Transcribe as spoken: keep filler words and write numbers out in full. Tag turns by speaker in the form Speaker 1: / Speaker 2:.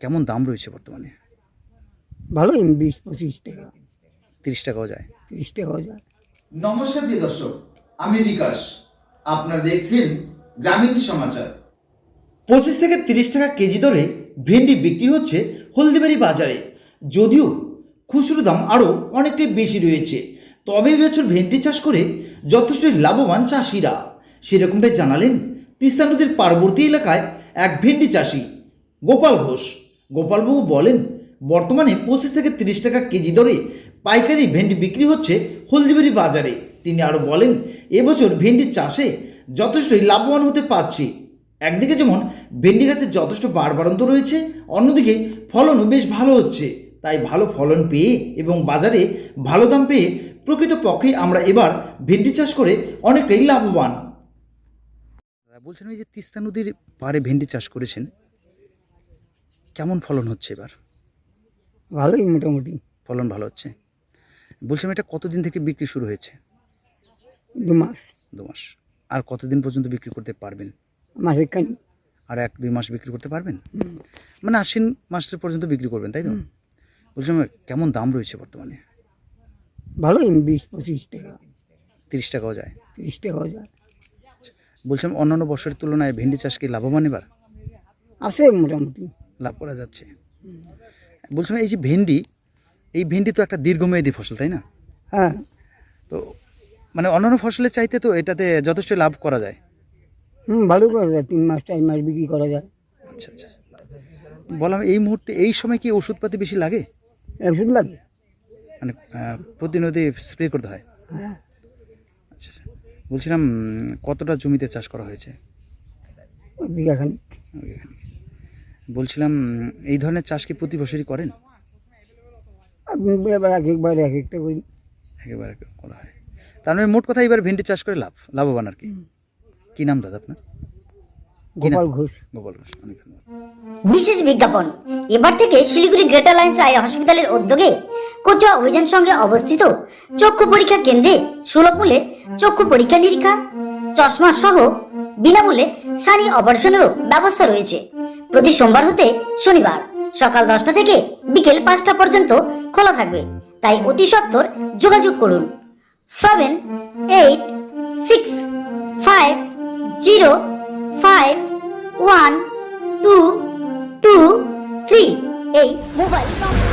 Speaker 1: কেমন দাম রয়েছে বর্তমানে?
Speaker 2: ভালোই বিশ পঁচিশ টাকা,
Speaker 1: তিরিশ টাকাও যায়।
Speaker 2: তিরিশ টাকাও যায়।
Speaker 3: নমস্কার প্রিয় দর্শক, আমি বিকাশ। আপনারা দেখছেন গ্রামীণ সমাচার। পঁচিশ থেকে তিরিশ টাকা কেজি দরে ভেন্ডি বিক্রি হচ্ছে হলদিবাড়ি বাজারে। যদিও খুচরো দাম আরও অনেকটাই বেশি রয়েছে, তবে এবছর ভেন্ডি চাষ করে যথেষ্ট লাভবান চাষিরা। সেরকমটাই জানালেন তিস্তা নদীর পার্বতী এলাকায় এক ভেন্ডি চাষি গোপাল ঘোষ। গোপালবাবু বলেন, বর্তমানে পঁচিশ থেকে তিরিশ টাকা কেজি দরে পাইকারি ভেন্ডি বিক্রি হচ্ছে হলদিবাড়ি বাজারে। তিনি আরও বলেন, এবছর ভেন্ডি চাষে যথেষ্টই লাভবান হতে পারছি। একদিকে যেমন ভেন্ডি গাছের যথেষ্ট বাড়বাড়ন্ত রয়েছে, অন্যদিকে ফলনও বেশ ভালো হচ্ছে। তাই ভালো ফলন পেয়ে এবং বাজারে ভালো দাম পেয়ে প্রকৃতপক্ষে আমরা এবার ভেন্ডি চাষ করে অনেকটাই লাভবান।
Speaker 1: বলছেন এই যে তিস্তা নদীর পাড়ে ভেন্ডি চাষ করেছেন, কেমন ফলন হচ্ছে এবার?
Speaker 2: ভালোই মোটামুটি।
Speaker 1: ফলন ভালো হচ্ছে। বলছিলাম এটা কতদিন থেকে বিক্রি শুরু হয়েছে?
Speaker 2: দু মাস।
Speaker 1: দু মাস। আর কতদিন পর্যন্ত বিক্রি করতে পারবেন?
Speaker 2: মাসের খানি।
Speaker 1: আর এক দুই মাস বিক্রি করতে পারবেন? মানে আশ্বিন মাসের পর্যন্ত বিক্রি করবেন, তাই তো? বলছিলাম কেমন দাম রয়েছে বর্তমানে?
Speaker 2: ভালোই বিশ পঁচিশ টাকা,
Speaker 1: তিরিশ টাকাও যায়।
Speaker 2: তিরিশ টাকাও যায়।
Speaker 1: বলছিলাম অন্যান্য বছরের তুলনায় ভেন্ডি চাষ কি লাভবান এবার?
Speaker 2: আছে মোটামুটি।
Speaker 1: লাভ করা যাচ্ছে। বলছিলাম এই যে ভেন্ডি, এই ভেন্ডি তো একটা দীর্ঘমেয়াদী ফসল, তাই না?
Speaker 2: হ্যাঁ।
Speaker 1: তো মানে অন্যান্য ফসলের চাইতে তো এটাতে যথেষ্ট লাভ করা যায়।
Speaker 2: হুম ভালো করা যায়, তিন মাস চার মাস বিক্রি করা যায়।
Speaker 1: আচ্ছা আচ্ছা। বললাম এই মুহূর্তে এই সময় কি ওষুধপাতি বেশি লাগে?
Speaker 2: ওষুধ লাগে।
Speaker 1: মানে আহ, প্রতিনিয়তই স্প্রে করতে হয়?
Speaker 2: হ্যাঁ।
Speaker 1: আচ্ছা আচ্ছা। বলছিলাম উম, কতটা জমিতে চাষ করা হয়েছে?
Speaker 2: ওই বিঘা খানিক।
Speaker 1: ওইখানে। বলছিলাম উম, এই ধরনের চাষ কি প্রতি বছরই করেন?
Speaker 2: আপনি এবার এক একবার এক একটা করি।
Speaker 1: একেবারে করা হয়। তার মানে মোট কথা এবার ভেন্ডি চাষ করে লাভ লাভবান আর কি। কি নাম দাদা আপনার?
Speaker 2: গোপাল ঘোষ।
Speaker 1: গোপাল ঘোষ, অনেক ধন্যবাদ।
Speaker 4: বিশেষ বিজ্ঞাপন। এবার থেকে শিলিগুড়ি গ্রেটার লাইন্স আই হসপিটালের উদ্যোগে কোচা অভিযান সঙ্গে অবস্থিত চক্ষু পরীক্ষা কেন্দ্রে সুলভ মূল্যে চক্ষু পরীক্ষা নিরীক্ষা, চশমা সহ বিনামূল্যে সানি অপারেশনেরও ব্যবস্থা রয়েছে। প্রতি সোমবার হতে শনিবার সকাল দশটা থেকে বিকেল পাঁচটা পর্যন্ত খোলা থাকবে। তাই অতি সত্বর যোগাযোগ করুন seven eight six five zero five one two two three এই মোবাইল নম্বর।